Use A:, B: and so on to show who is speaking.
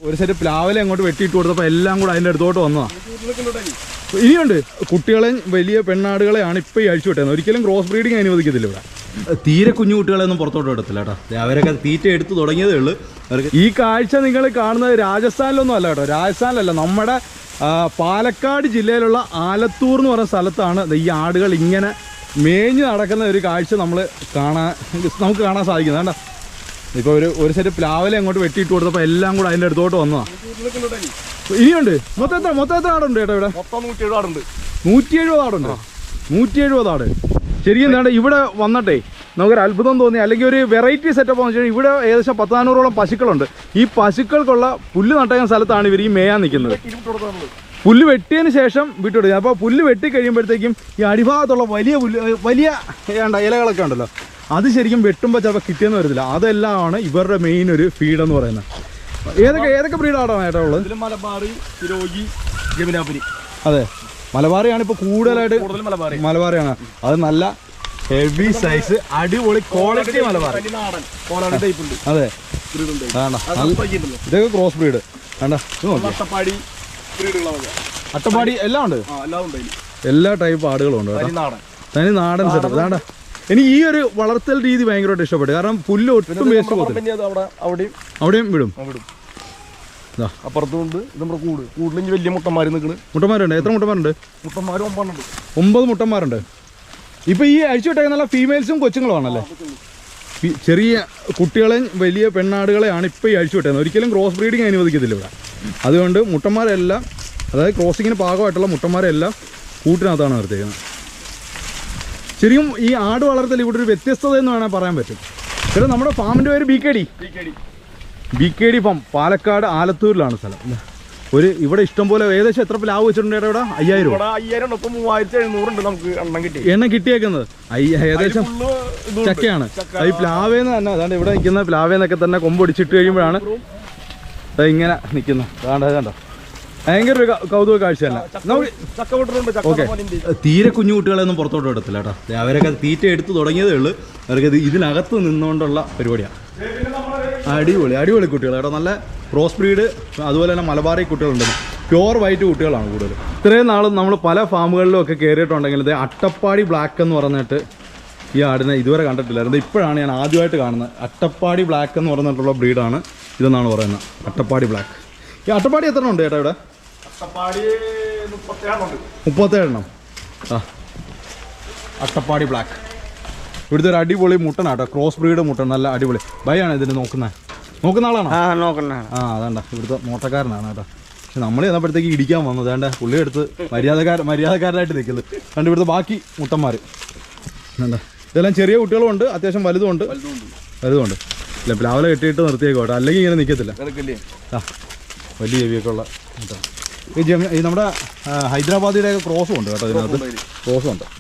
A: ഒരു സെറ്റ് പ്ലാവിലെ അങ്ങോട്ട് വെട്ടിയിട്ട് കൊടുത്തപ്പോൾ എല്ലാം കൂടെ അതിൻ്റെ അടുത്തോട്ട് വന്നതാണ്. ഇനിയുണ്ട് കുട്ടികളെയും വലിയ പെണ്ണാടുകളെയാണ് ഇപ്പോൾ ഈ അഴിച്ചു വിട്ടത്. ഒരിക്കലും ക്രോസ് ബ്രീഡിങ് അനുവദിക്കത്തില്ല ഇവിടെ. തീരെ കുഞ്ഞു കുട്ടികളെയൊന്നും പുറത്തോട്ട് എടുത്തില്ല കേട്ടോ. അവരൊക്കെ തീറ്റ എടുത്ത് തുടങ്ങിയതേ ഉള്ളൂ. അവർക്ക് ഈ കാഴ്ച നിങ്ങൾ കാണുന്നത് രാജസ്ഥാനിലൊന്നും അല്ല കേട്ടോ. രാജസ്ഥാനിലല്ല, നമ്മുടെ പാലക്കാട് ജില്ലയിലുള്ള ആലത്തൂർ എന്ന് പറയുന്ന സ്ഥലത്താണ് ഈ ആടുകൾ ഇങ്ങനെ മേഞ്ഞ് നടക്കുന്ന ഒരു കാഴ്ച നമുക്ക് കാണാൻ സാധിക്കുന്നത്. കേട്ടോ, ഇപ്പോൾ ഒരു സെറ്റ് പ്ലാവിലെ അങ്ങോട്ട് വെട്ടിയിട്ട് കൊടുത്തപ്പോൾ എല്ലാം കൂടെ അതിൻ്റെ അടുത്തോട്ട് വന്നതാണ്. ഇനിയുണ്ട്. മൊത്തം എത്ര ആടുണ്ട് ചേട്ടാ ഇവിടെ?
B: 170 ആടുണ്ട്.
A: 170 ആടുണ്ട്. 170 ആട്. ശരിക്കും എന്താണ് ഇവിടെ വന്നിട്ടേ നമുക്കൊരു അത്ഭുതം തോന്നി, അല്ലെങ്കിൽ ഒരു വെറൈറ്റി സെറ്റപ്പ് എന്ന് വെച്ചാൽ ഇവിടെ ഏകദേശം 10-400ഓളം പശുക്കളുണ്ട്. ഈ പശുക്കൾക്കുള്ള പുല്ല് നട്ടയുന്ന സ്ഥലത്താണ് ഇവർ ഈ മേയാൻ നിൽക്കുന്നത്. പുല്ല് വെട്ടിയതിന് ശേഷം വിട്ടുകൊടുക്കുക. അപ്പോൾ പുല്ല് വെട്ടി കഴിയുമ്പോഴത്തേക്കും ഈ അടിഭാഗത്തുള്ള വലിയ ഇലകളൊക്കെ ഉണ്ടല്ലോ, അത് ശരിക്കും വെട്ടുമ്പോൾ ചിലപ്പോൾ കിട്ടിയെന്ന് വരത്തില്ല. അതെല്ലാമാണ് ഇവരുടെ മെയിൻ ഒരു ഫീഡ് എന്ന് പറയുന്നത്. ഏതൊക്കെ ബ്രീഡാണ് ഏട്ടാ ഉള്ളത്?
B: മലബാറി, സിരോഗി, ജമുനാപുരി.
A: അതെ, മലബാറിയാണ് ഇപ്പോൾ കൂടുതലായിട്ട്. മലബാറിയാണ്. അത് നല്ല ഹെവി സൈസ് അടിപൊളി ക്വാളിറ്റി മലബാറി. അതെ, ഇതൊക്കെ ക്രോസ് ബ്രീഡ്. അട്ടപ്പാടി എല്ലാം ഉണ്ട്. എല്ലാ ടൈപ്പ് ആടുകളും ഉണ്ട്. തനി നാടൻ സെറ്റപ്പ്. അതാണ്ട എനിക്ക് ഈ ഒരു വളർത്തൽ രീതി ഭയങ്കരമായിട്ട് ഇഷ്ടപ്പെട്ടു. കാരണം പുല്ല് ഒട്ടും വേസ്റ്റ് പോകത്തില്ല. അവിടെയും വിടും.
B: അപ്പുറത്തുണ്ട് നമ്മുടെ കൂടുതലും വലിയ മുട്ടന്മാര് നിൽക്കുന്നത്.
A: മുട്ടന്മാരുണ്ട്. എത്ര മുട്ടന്മാരുണ്ട്?
B: മുട്ടന്മാർ
A: 9 മുട്ടന്മാരുണ്ട്. ഇപ്പൊ ഈ അഴിച്ചു വിട്ടേക്കുന്ന നല്ല ഫീമെയിൽസും കൊച്ചുങ്ങളുമാണല്ലേ? ചെറിയ കുട്ടികളെയും വലിയ പെണ്ണാടുകളെയാണ് ഇപ്പോൾ ഈ അഴിച്ചു വിട്ടേക്കുന്നത്. ഒരിക്കലും ക്രോസ് ബ്രീഡിങ് അനുവദിക്കത്തില്ല ഇവിടെ. അതുകൊണ്ട് മുട്ടന്മാരെല്ലാം, അതായത് ക്രോസിങ്ങിന് പാകമായിട്ടുള്ള മുട്ടന്മാരെല്ലാം കൂട്ടിനകത്താണ് നിർത്തിയിരിക്കുന്നത്. ശരിക്കും ഈ ആട് വളർത്തൽ ഇവിടെ ഒരു വ്യത്യസ്തത എന്ന് വേണമെങ്കിൽ പറയാൻ പറ്റും. ചേട്ടാ, നമ്മുടെ ഫാമിൻ്റെ പേര് BKD ഫാം. പാലക്കാട് ആലത്തൂരിലാണ് സ്ഥലം. ഇവിടെ ഇഷ്ടംപോലെ ഏകദേശം എത്ര പ്ലാവ് വെച്ചിട്ടുണ്ട് ചേട്ടാ ഇവിടെ? 5000.
B: 3700 നമുക്ക്
A: എണ്ണം കിട്ടിയേക്കുന്നത്. ഏകദേശം ചക്കയാണ്. ഈ പ്ലാവേന്ന് തന്നെ അതാണ്ട് ഇവിടെ നിൽക്കുന്ന പ്ലാവേന്നൊക്കെ തന്നെ കൊമ്പൊടിച്ചിട്ട് കഴിയുമ്പോഴാണ് ഇങ്ങനെ നിൽക്കുന്നത്. അതാണ്ട് ഭയങ്കര ഒരു കൗതുക കാഴ്ചയല്ല. ഓക്കെ, തീരെ കുഞ്ഞു കുട്ടികളെയൊന്നും പുറത്തോട്ട് എടുത്തില്ല കേട്ടോ. അവരൊക്കെ തീറ്റ എടുത്ത് തുടങ്ങിയതേ ഉള്ളൂ. അവർക്ക് ഇതിനകത്ത് നിന്നുകൊണ്ടുള്ള പരിപാടിയാണ്. അടിപൊളി കുട്ടികൾ കേട്ടോ. നല്ല ക്രോസ് ബ്രീഡ്, അതുപോലെ തന്നെ മലബാറി കുട്ടികളുണ്ട്. പ്യുവർ വൈറ്റ് കുട്ടികളാണ് കൂടുതൽ. ഇത്രയും നാളും നമ്മൾ പല ഫാമുകളിലും ഒക്കെ കയറിയിട്ടുണ്ടെങ്കിൽ ഇത് അട്ടപ്പാടി ബ്ലാക്ക് എന്ന് പറഞ്ഞിട്ട് ഈ ആടിനെ ഇതുവരെ കണ്ടിട്ടില്ലായിരുന്നു. ഇപ്പോഴാണ് ഞാൻ ആദ്യമായിട്ട് കാണുന്നത്. അട്ടപ്പാടി ബ്ലാക്ക് എന്ന് പറഞ്ഞിട്ടുള്ള ബ്രീഡാണ് ഇതെന്നാണ് പറയുന്നത്. അട്ടപ്പാടി ബ്ലാക്ക്. ഈ അട്ടപ്പാടി എത്ര ഉണ്ട് ചേട്ടാ ഇവിടെ? 37 അട്ടപ്പാടി ബ്ലാക്ക്. ഇവിടുത്തെ ഒരു അടിപൊളി മുട്ടനാട്ടോ. ക്രോസ് ബ്രീഡ് മുട്ടൻ, നല്ല അടിപൊളി. ഭയാണ് ഇതിന് നോക്കുന്ന ആളാണോ? അതാണ്ട ഇവിടുത്തെ മോട്ടക്കാരനാണ് കേട്ടോ. പക്ഷെ നമ്മൾ ചെന്നപ്പോഴത്തേക്ക് ഇടിക്കാൻ വന്നത് വേണ്ട പുള്ളി എടുത്ത് മര്യാദക്കാരനായിട്ട് നിൽക്കുന്നത്. കണ്ട് ഇവിടുത്തെ ബാക്കി മുട്ടന്മാർ വേണ്ട. ഇതെല്ലാം ചെറിയ കുട്ടികളുമുണ്ട്, അത്യാവശ്യം വലുതുമുണ്ട്. ഇല്ല, പ്ലാവിലെ കെട്ടിയിട്ട് നിർത്തിയേക്കോട്ടെ, അല്ലെങ്കിൽ ഇങ്ങനെ നിൽക്കത്തില്ല. വലിയ ചെവിയൊക്കെ ഉള്ള ഈ നമ്മുടെ ഹൈദരാബാദിയുടെ ക്രോസും ഉണ്ട് കേട്ടോ. ഇതിനകത്ത് ക്രോസും ഉണ്ട്.